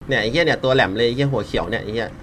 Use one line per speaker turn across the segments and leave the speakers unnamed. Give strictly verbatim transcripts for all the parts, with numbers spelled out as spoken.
เนี่ยไอ้เหี้ยเนี่ยตัวแหลมเลยไอ้เหี้ยหัวเขียวเนี่ยไอ้เหี้ย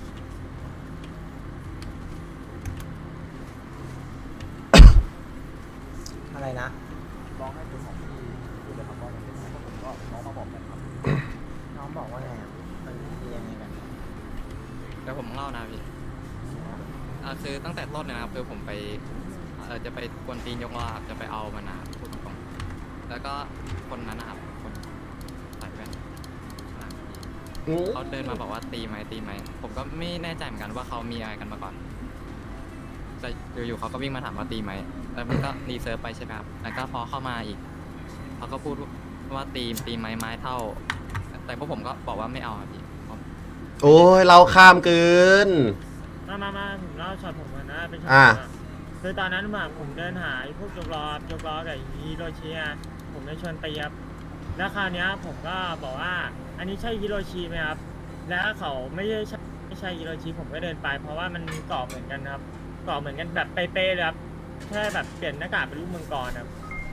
อะไรนะ
ลองให้คุณของพี่พูดเลยครับว่ามันเป็นยังไงเพราะผมก็น้องมาบอกกันครับ
น้องบอกว่าไงอะมันเป็นยังไงกัน
เดี๋ยวผมเล่านะพี่อ่าคือตั้งแต่ต้นนะครับคือผมไปเออจะไปกวนตีนยกล้อครับจะไปเอามานาพูดตรงๆแล้วก็คนนั้นนะครับคนใส่แว่นข้างหลังเขาเดินมาบอกว่าตีไหมตีไหมผมก็ไม่แน่ใจเหมือนกันว่าเขามีอะไรกันมาก่อนแต่อยู่ๆเขาก็วิ่งมาถามว่าตีไหมแล้วมันก็รีเซิร์ฟไปใช่ไหมครับแล้วก็พอเข้ามาอีกเขาก็พูดว่าตีตีไหมไม้เท่า แต่พวกผมก็บอกว่าไม่เอาครับพี่
โอ้ยเราข้ามเกิน
มามามาผมเล่าช็อตผมก่อนนะเป็นช็อต
อ่า
ผมอะคือตอนนั้นแบบผมเดินหาไอ้พวกยกล้อยกล้อกับฮิโรชิอะผมได้ชวนไปยับแล้วคราวเนี้ยผมก็บอกว่า อันนี้ใช่ฮิโรชิไหมครับ แล้วเขาไม่ใช่ใช่ไม่ใช่ฮิโรชิผมก็เดินไป เพราะว่ามันเกาะเหมือนกันครับเกาะเหมือนกันแบบเป๊ะๆเลยครับแค่แบบเปลี่ยนหน้ากากเป็นรูปมังกรครับ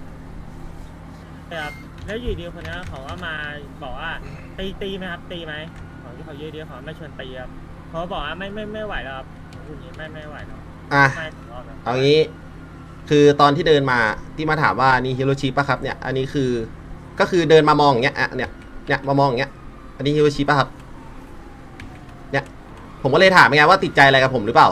ครับแล้วอยู่ดีคนนี้เขาก็มาบอกว่าตีตีไหมครับตีไหมของที่เขาเยอะเดียวเขาไม่ชวนตีครับเขาบอกว่าไม่ไม่ไม่ไหวแล้วครับพูดอย่างนี้ไม่ไม่ไหวแล้ว
อ่ะ
ไม่ถึงรอบแล้ว
เอางี้คือตอนที่เดินมาที่มาถามว่านี่ฮิโรชิปะครับเนี่ยอันนี้คือก็คือเดินมามองอย่างเงี้ยอ่ะเนี่ยเนี่ยมามองอย่างเงี้ยอันนี้ฮิโรชิปะครับเนี่ยผมก็เลยถามไงว่าติดใจอะไรกับผมหรือเปล่า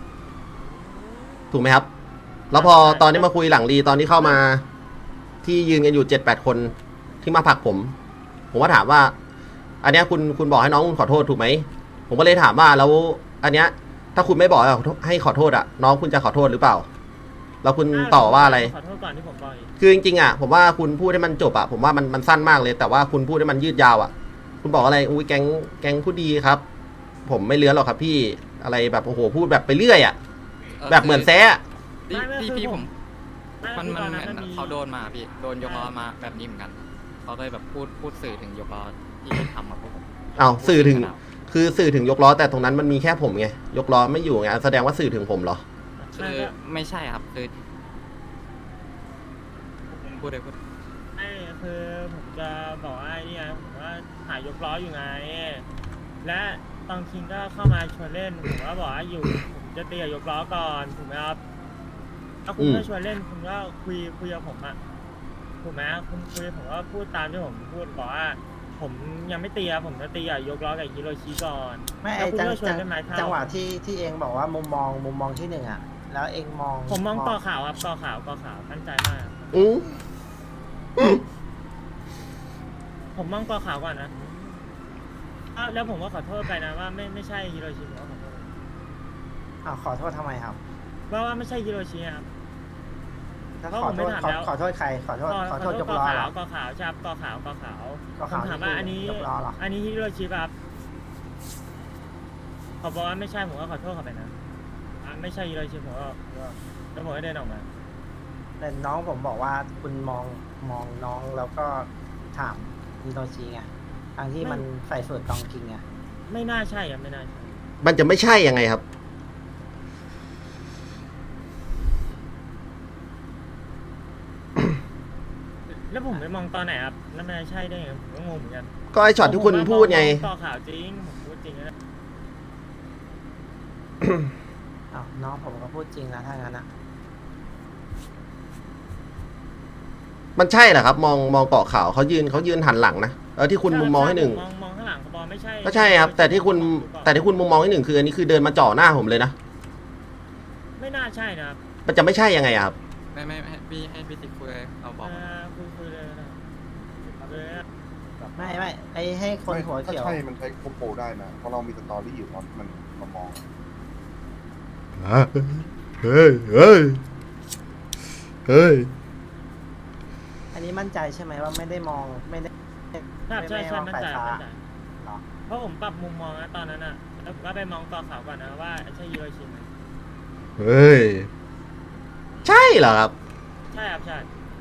ถูกไหมครับแล้วพอตอนที่มาคุยหลังรีตอนที่เข้ามาที่ยืนกันอยู่เจ็ดแปดคนที่มาผลักผม ผมก็ถามว่า อันเนี้ยคุณคุณบอกให้น้องคุณขอโทษถูกไหมผมก็เลยถามว่าแล้วอันเนี้ยถ้าคุณไม่บอกให้ขอโทษอ่ะน้องคุณจะขอโทษหรือเปล่าแล้วคุณต่อว่าอะไร
ขอโทษก่อนที่ผมบอกอีก
คือจริงๆอ่ะผมว่าคุณพูดให้มันจบอ่ะผมว่ามันมันสั้นมากเลย แต่ว่าคุณพูดให้มันยืดยาวอ่ะคุณบอกอะไรอุ้ยแก๊งแก๊งพูดดีครับ ผมไม่เลื้อนหรอกครับพี่อะไรแบบโอ้โหพูดแบบไปเรื่อยอ่ะแบบเหมือนแซะ
พี่พี่พี่ผม
ไม่
มัน
คือ
มัน
ตอน
เห
นั้น
มือน
มันมี
เขาโดนมาพี่โดนยกล้อมาแบบนี้เหมือนกันเขาเลยแบบพูดพูดสื่อถึงยกล้อที่ทำมาพวกผม
เอาสื่อถึงคือสื่อถึงยกล้อแต่ตรงนั้นมันมีแค่ผมไงยกล้อไม่อยู่ไงแสดงว่าสื่อถึงผมเหรอ
คือไม่ใช่ครับคือพูดเลยพูด
ไม่คือผมจะบอกว่าไอ้เนี่ยผมว่าหายยกล้ออยู่ไง และตองคิงก็เข้ามาชวนเล่นผมก็บอกว่าอยู่ผมจะตีกับยกล้อก่อนถูกไหมครับถ้าคุณไม่ชวนเล่นคุณก็คุยคุยกับผมอะถูกไหมคุณคุยผมก็พูดตามที่ผมพูดบอกว่า ผมยังไม่ตีอะผมจะตีกับยกล้อกับฮิโรชิก่อน
ไม่
แล้
ไอ้
วคุณ
จัง
ก็ชวน
จัง
เล่นไม้เท้า
จังหวะที่ที่เองบอกว่ามุมมองมุมมองที่หนึ่งอ่ะ แล้วเองมอง
ผมมองต่อขาวครับต่อขาวต่อขาวมั่นใจมากครับ
อืออือ
ผมมองต่อขาวก่อนนะอ้าวแล้วผมก็ขอโทษไปนะว่าไม่ไม่ใช่ฮิโรชิผมก็ขอโทษ
อ้าวขอโทษทำไมครับ
ว่าว่าไม่ใช่ฮิโรชิครับ
ถ้า
เพราะ
ขอ
ผม
โท
ไม่
ษ
ถาม
ขอ
แล้ว
ขอโทษใครขอโทษขอโทษยก
กอ
ล้อ
ขา
เหร
ว
อก
อขาวใช่ครับกอขาวกอขาว
กอ
ผ
ขาว
มถามว่าอันนี้
ยกล้อเหรอ
อันนี้ฮิโรชิป่ะครับเขาบอกว่าไม่ใช่ผมก็ขอโทษเขาไปนะอ่ะไม่ใช่ฮิโรชิผมก็แล้วผมก็เดินออกมา
แต่น้องผมบอกว่าคุณมองมองน้องแล้วก็ถามฮิโรชิไงทางที่มันใส่สูตรตองคิงไง
ไม่น่าใช่ครับไม่น่าใช่
มันจะไม่ใช่ยังไงครับ
แล้วผมไปมองตอนไหนครับแล้วมันจะใช่ได้ไงผมก็งงเหมือนกัน
ก็ไอช็อตที่คุณพูดไง
ผมว่ามอต่อขาวจริงผมพูดจริงนะ
อ้าวน้องผมก็พูดจริงนะถ้างั้นอ่ะ
มันใช่เหรอครับ มองมองเกาะขาวเขายืนเขายืนหันหลังนะแล้วที่คุณมุมมองให้หนึ่ง
มองมองข้างหลังเขาบอกไม่ใช่
ก็ใช่ครับ แต่ที่คุณแต่ที่คุณมุมมองให้หนึ่งคืออันนี้คือเดินมาจ่อหน้าผมเลยนะ
ไม่น่าใช่นะครับ
มันจะไม่ใช่ยังไงอะครับ
ไม่ไม่ไม่ให้พี่ให้พี่ติ๊กคุยเอาบอก
เอ่อคุยคุยเลยนะเลยนะ
ไม่ไม่ไอให้คนหัวเขียว
ถ้าใช่มันใช้โคโปได้นะ เพราะเรามีสตอรี่อยู่มันมันมามอง
เฮ้ยเฮ้ยเฮ้ย
อันนี้มั่นใจใช่ไหมว่าไม่ได้มองไม่ได้
ใช่ใช่ใช่มั่นใจ
ไม่ได้มองสายฟ้า
มั่นใจ
เหรอ
เพราะผมปรับมุมมองนะตอนนั้นอ่ะแล้วผมก็ไปมองต่อขาวก่อนนะว่าใช่ฮิโรชิไหม
เฮ้ยใช่เหรอครับ
ใช่ครับใช่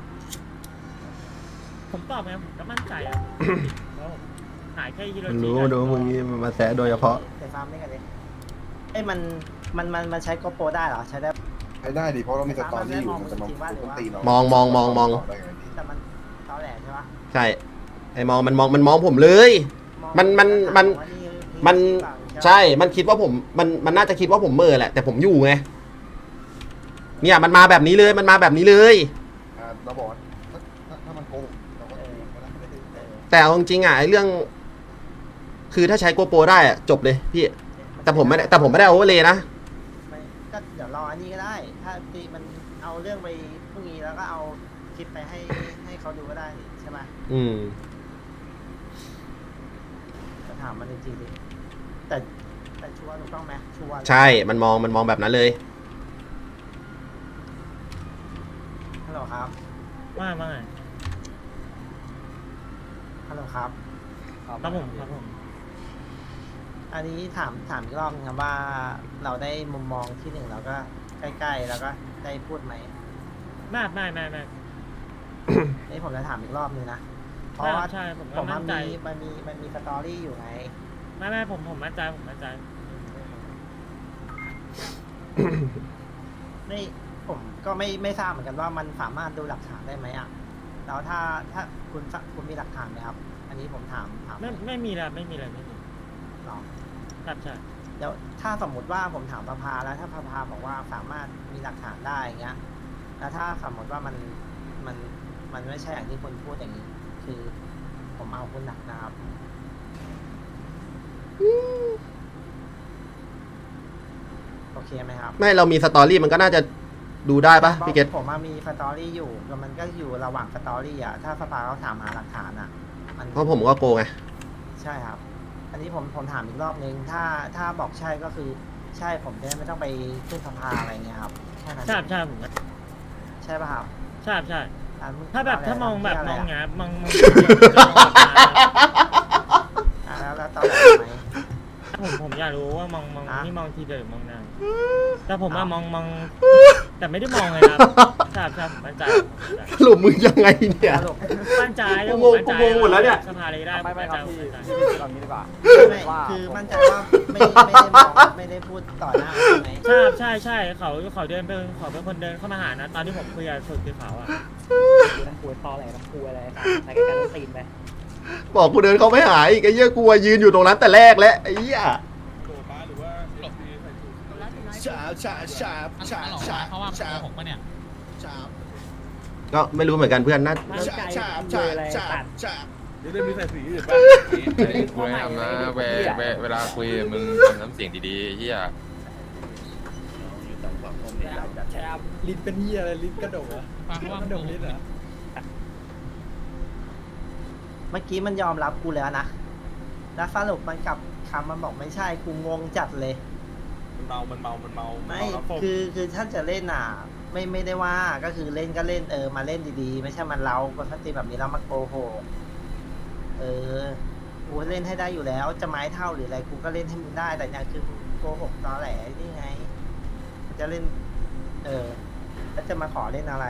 ผมตอบไงผมก็มั่นใจอ่ะเพราะผมหายแค่ฮิโร
มัน
ชิ
รู้ดูมึงนี่มันมาแซะโดยเฉพาะ
ไปฟาร์มด้วยกันดิไอ้ยมันมันมันมันใช้โกโปรได้เหรอใช้ได้
ใช้ได้ดิเพราะเรามีสตอรี่อยู่มันจะมา
จริงว่าหรือ
ต้น
ว่า
ตีเรา
มองมองมองมอง
ได้ไงพี่
แต่มันเท่าแหล่ใช่ปะ
ใช่ไอมองมันมองมันมองผมเลย
อมอง
มันมันมัน
ว่านี่
มัน
เปล่า
ใช่ มันคิดว่าผม มัน มันน่าจะคิดว่าผมเมอแหละ แต่ผมอยู่ไง เนี่ย มันมาแบบนี้เลย มันมาแบบนี้เลย
อ่าเราบอกว่าถ้าถ้าถ้ามันโกหกเราก็ก็ได้ไม่ได้
เออ
แต่เอาจริงๆอ่ะไอ้เรื่อง คือถ้าใช้โกโปรได้อะจบเลยพี่ แต่ผมไม่ได้ แต่ผมไม่ได้โอเวอร์เลยนะ
ไม่ก็เดี๋ยวรออันนี้ก็ได้ ถ้าตีมันเอาเรื่องไปพรุ่งนี้แล้วก็เอาคลิปไปให้ให้เขาดูก็ได้นี่ใช่ไหม
อืม
จะถามมันจริงๆดิแต่แต่ชัวร์ถูกต้องไหมชัวร์
ใช่ มันมอง มันมองแบบนั้นเลย
ฮัลโหลครับ
ว่าว่าไง
ฮัลโหลครับ
ครับผมครับผม
อันนี้ถามถามอีกรอบนึงครับว่าเราได้มุมมองที่หนึ่งเราก็ใกล้ๆแล้วก็ได้พูดไหม
ไม่ไม่ไม่ไม่
นี่ผมจะถามอีกรอบนึงนะเพราะ
ใช่
ว่า
ใช่ผม
ผ
ก็
ม
มั่
มัน
นใจ
มีมันมีมันมีสตอรี่อยู่ไง
ไม่ไม่ผมผมมั่นใจผมมั่นใจ
ไม่ผมก็ไม่ไม่ทราบเหมือนกันว่ามันสามารถดูหลักฐานได้ไหมอ่ะแล้วถ้าถ้าคุณสคุณมีหลักฐานไหมครับ อันนี้ผมถามถาม
ไม่ไม่มีแล้วไม่มีอะไรไม่มี
หรอ
ครับใช่
เดี๋ยวถ้าสมมุติว่าผมถามประภาแล้วถ้าประภาบอกว่าสามารถมีหลักฐานได้อย่างเงี้ย แล้วถ้าสมมติว่ามันมันมันไม่ใช่อย่างที่คุณพูดอย่างนี้ คือผมเอาคุณหนักนะครับโอเคไหมครับ
ไม่ เรามีสตอรี่มันก็น่าจะดูได้ปะพี่เกต
ผมมามีสตอรี่อยู่แล้วมันก็อยู่ระหว่างสตอรี่อ่ะถ้าสภาเขาถามหาหลักฐานอ่ะ มัน
เพราะผมก็โกงไง
ใช่ครับ อันนี้ผมผมถามอีกรอบนึง ถ้าถ้าบอกใช่ก็คือใช่ผมจะได้ไม่ต้องไปขึ้นสภาอะไรเงี้ยครับแค่นั้น
ใช่ใช่ผม
ใช่ป่ะครับ
ใช่ใช่
อ่ะมึ
ถ้าแบบ
เะไร
ถ้ามองแบบ
ะ
มอง
ะไร
เงี้ยมองมอง
อ่ะแล้วแล้วตอนไหนไหม
ผมผมอยากรู้ว่ามองมอง
อ่ะ
นี่มองทีเดียวหรือมองนานแต่ผมว่า
อ้าว
มองมอง แต่ไม่ได้มองเลยครับใช่ใช่ผมมั่นใจผมมั่นใจ
สรุปมึงยังไงเนี่ย
สรุป
มั่นใจแล้ว
กูงง
มั่นใจ
กูงงหมดแล้วเนี่ย
สภาเลยได้
ไม่ไม่ครับ
ผ
พี่
มั่นใจ
พี่พี่เอางี้ดีกว่า
ไม่
ว่า
คือ
ผม
มั่นใจว่าไม่ไม่ได้มองไม่ได้พูดต่อหน้าใช่ไหม
ใช่ใช่ใช่เขาเขาเดินไปเขาเป็นคนเดินเข้ามาหานะ ตอนที่ผมคุยกับสุดคือเขาอ่ะ
น้ำคุยตอแหลน้ำคุยอะไรต่างใส่กันกันตีนไป
บอกกูเดินเขาไม่หายอีกไอ้เหี้ยกูอะยืนอยู่ตรงนั้นแต่แรกแล้วไอ้เหี้ย
ฉาบฉาบฉาบฉาบฉาบเขาว่าฉาบผมปะเนี่ยฉาบ
ก็ไม่รู้เหมือนกันเพื่อนน่า
มั่นใจ
ฉาบ
เล
ฉาบ
ยอะไร
ฉา
ตั
บ
ด
ฉาบ
เดี๋ยวได้มีใส่สีอื่นป่ะ
กูไม่ทำนะเวเวเวลาคุยมึงทำน้ำเสียงดีๆเฮีย
แชม
ลิ้นเป็นเหี้ยอะไรลิ้นกระโดดอะกระโดดลิ้นเหรอ
เมื่อกี้มันยอมรับกูแล้วนะ แล้วสรุปมันกลับคำมันบอกไม่ใช่กูงงจัดเลย
มันเมา มันเมา มันเมา
ไม่คือคือถ้าจะเล่นอ่ะ ไม่ไม่ได้ว่าก็คือเล่นก็เล่นเออมาเล่นดีๆ ไม่ใช่มันเล้าปกติแบบนี้แล้วมาโกหกเออกูเล่นให้ได้อยู่แล้ว จะไม้เท่าหรืออะไรกูก็เล่นให้มึงได้แต่อย่างคือโกหกตอแหลนี่ไง จะเล่น เออแล้วจะมาขอเล่นอะไร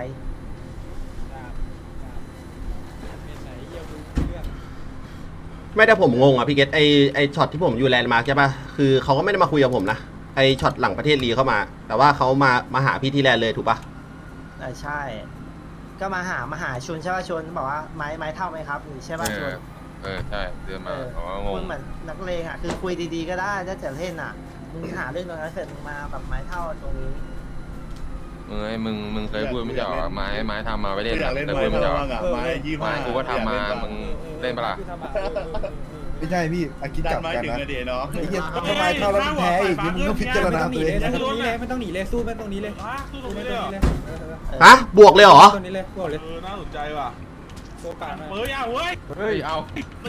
ไม่ได้ผมงงอ่ะพี่เกตไอไอช็อตที่ผมอยู่แลนด์มาร์คใช่ปะคือเขาก็ไม่ได้มาคุยกับผมนะไอช็อตหลังประเทศลีเข้ามา แต่ว่าเขามามาหาพี่ที่แลนด์เลยถูกปะ
เออใช่ ก็มาหามาหาชวนใช่ป่ะชวนบอกว่าไม้ไม้เท่าไหมครับนี่ใช่
เอ
ป่ะชว
อน เออใช่เดินมา
เออ
อ๋องง
คุณเหมือนนักเลงอ่ะคือคุยดีๆก็ได้ถ้าจะเล่นอ่ะมึงหาเรื่องตรงนั้นเสร็จมึงมาแบบไม้เท่าตรงนี้
มึงไอ้มึงมึงเคยพูดไม่ใช่หรอไม้ไม้ทำมาไว้เล่น
อยา
อะ
กเล่น
เคย
ไม้
พูดไม่ใช่หรอ
บ้างอะไม้ยี่ห้า
ไม้กูก็ทำมามึงเล่นปะล่ะ
ไม่ใช่พี่อากินจับกันนะ
เดี๋ยวเนาะ
ไอ้เหี้ยทำไมเท่าแล้วมึงแพ้อีกนี่มึงก็พิจารณาตัวเองนะ
ตรงนี้เลยไม่ต้องหนีเลยสู้ไปตรงนี้เลย
สู้ตรง
สู้
นี้
ไป
เลย
ต
เหร
รง
อ
นี้เลย
ฮะบวกเลยเหรอ
ตรงนี้เลยบอกเลย
เออ น่าสนใจว่ะ
โอกาส
เฮ้ยเอาเว้ย
เฮ้ยเอา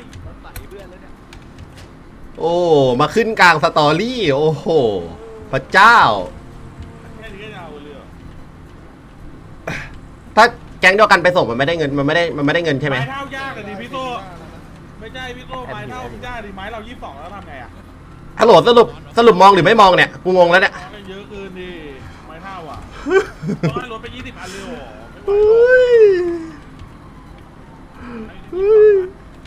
โอ้มาขึ้นกลางสตอรี่โอ้โหพระเจ้า
แค่นี้ก็จะเอาเลยเหรอ
ถ้าแก๊งเดียวกันไปส่งมันไม่ได้เงินมันไม่ได้มันไม่ได้เงินใช่ไหม
ไม้เท่ายากอะดิพี่โตไม่ใช่พี่โตไม้เท่ามันยากดิไม้เรายี่สิบสองแล้วทำไงอะ
ฮัลโหลสรุปสรุปมองหรือไม่มองเนี่ยกูงงแล้วเนี่ย
น้องกันเยอะเกินดิไม้เท่าอ่ะต้องให้ลดไปยี่สิบอันเลยเหรอไม่ไหวหรอก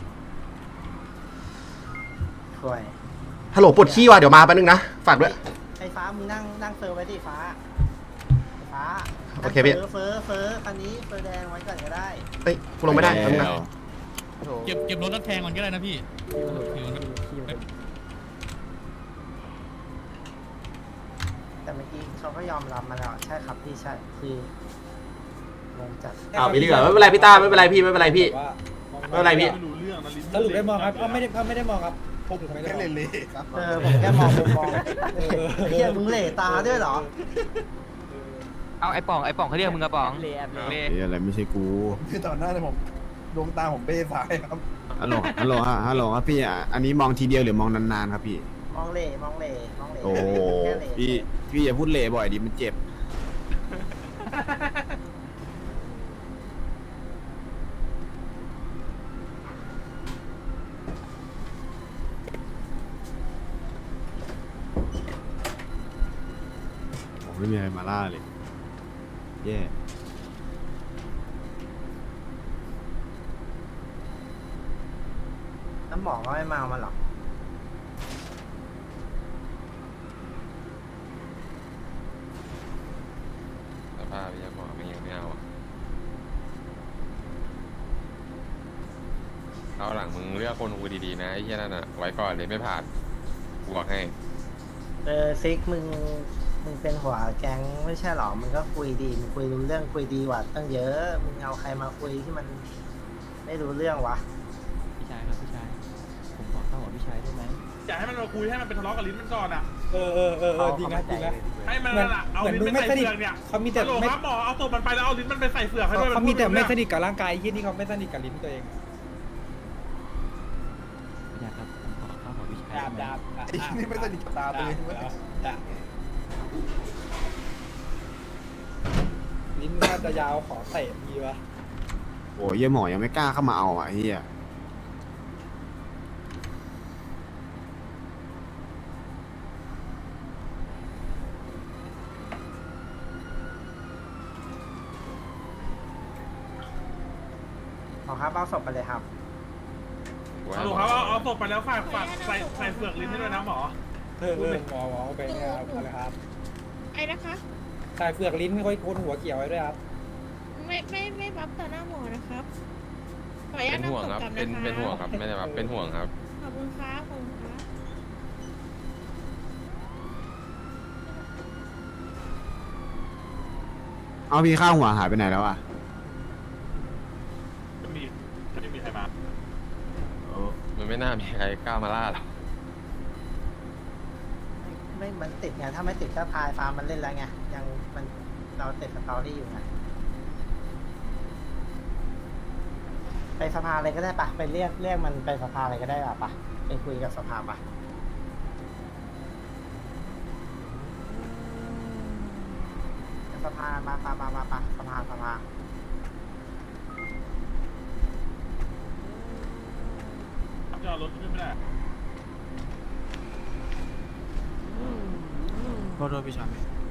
ช่วย
ฮัลโหลปวดขี้ว่ะเดี๋ยวมาแป๊บนึงนะฝากด้วย
ไอ้ฟ้ามึงนั่งนั่งเฟอร์ไว้ดิฟ้าไอ้ฟ้า
โอเคพี่
เฟอร์เฟอร์เฟอร์คันนี้เฟอร์แดงไว้ก่อนก็ได้
เอ้ยกูลงไม่ได้แป๊บนึงนะ
เก็บเก็บรถแล้วแทงมันก็ได้นะพี่
แต่เมื่อกี้เขาก็ยอมรับมาแล้วใช่ครับพี่ใช่คืองงจัด
อ้าวมีเรื่องไม่เป็นไรพี่ต้าไม่เป็นไรพี่ไม่เป็นไรพี่ไม่เป็นไรพี่
สรุปได้มองครับก็ไม่ได้ไม่ได้มองครับผมไม่ได้เล่นเลยครับ
เออผมแค่มองมุมมองเออเฮียมึงเหล่ตาด้วยเหรอ
เอาไอ้ป่องไอ้ป่องเขาเรียกมึงกระป๋อง
เลียบเลย
เล่
อะไรไม่ใช่กู
คือตอนหน้าเนี่ยผมดวงตาผมเบ้ซ้ายครับ
ฮัลโหลฮัลโหลฮะฮัลโหลครับพี่อ่ะอันนี้มองทีเดียวหรือมองนานๆครับพี่
มองเหล่มองเหล่มองเหล่
โอ้
แค่เหล่
พี่พี่อย่าพูดเละบ่อยดิมันเจ็บ ผมไม่มีอะไรมาล่าเลย แย่
น้ำหมอก็ไม่มาเอามาหรอก
สภาพยังหมอไม่ยังไม่เอาอะเอาหลังมึงเลือกคนคุยดีๆนะไอ้เหี้ยนั่นอ่ะไว้ก่อนเลยไม่ผ่านกูบอกให้
เออซิกมึงมึงเป็นหัวแก๊งไม่ใช่หรอมึงก็คุยดีมึงคุยรู้เรื่องคุยดีกว่าตั้งเยอะมึงเอาใครมาคุยที่มันไม่รู้เรื่องวะ
พี่ชายครับพี่ชาย ผมขอเข้ากับพี่ชายได้ไหม
อยากให้มันมาคุยให้มันเป็นทะเลาะกับลิ้นมันก่อนอ่ะ
เออเออเออเออจริงนะจริงนะ
ให้มันน่ะเอาลิ้นไปใส่เฟือกเนี่ย
เขามีแต่
ฮัลโหล
ไม่
ครับหมอเอาศพมันไปแล้วเอาลิ้นมันไปใส่เฟือกให้ด้วย
เขามีแต่ไม่ส
นิท
นิทกับร่างกายยี่นี่เขาไม่สนิทกับลิ้นตัวเอง
พี่ชายครับผมขอเข้ากับพี่ชายได้ไหม
นี่ไม่สนิทกับตาตัวเองลิ้นน่าจะยาวขอเตะดีวะ
โอ้ยเยี่ยหมอยังไม่กล้าเข้ามาเอาอ่ะไอ้เฮีย
เอาครับเอาศพไปเลยครับ
กูให้
ฮัลโหล
หมอ
ครับเอาเอาศพไปแล้วฝากฝากใส่ใส่เฟือกลิ้นให้ด้วยนะหมอ
เออเออหมอหมอไปเนี่ยครับเอาเลยครับ
ไอ้นะคะ
ใส่เฟือกลิ้นไม่ค่อยโคนหัวเกี่ยวไว้ด้วยครับ
ไม่ไม่ไม่บัฟต่อหน้าหมอนะครับขออนุญา
เป็
ต
นห่วง
นำศพ
ครับ
กลับ
เป็น
นะคะ
เป็นห่วงครับไม่ได้แบบเป็นห่วงครับ
ขอบคุณครับขอบคุณครับ
เอาพี่ข้าวหัวหายไปไหนแล้วอ่ะ
ไม่มีไม่มีใครมา
มันไม่น่ามีใครกล้ามาล่าหรอก
ไม่มันติดไงถ้าไม่ติดก็พายฟาร์มมันเล่นแล้วไงยังมันเราติดสตอรี่อยู่ไงไปสภาอะไรก็ได้ปะไปเรียกเรียกมันไปสภาอะไรก็ได้ปะไปคุยกับสภาปะสภามาปะมามาปะสภาสภา
จะเอารถขึ้นไม่ได้
โทษโทษพี่ชาย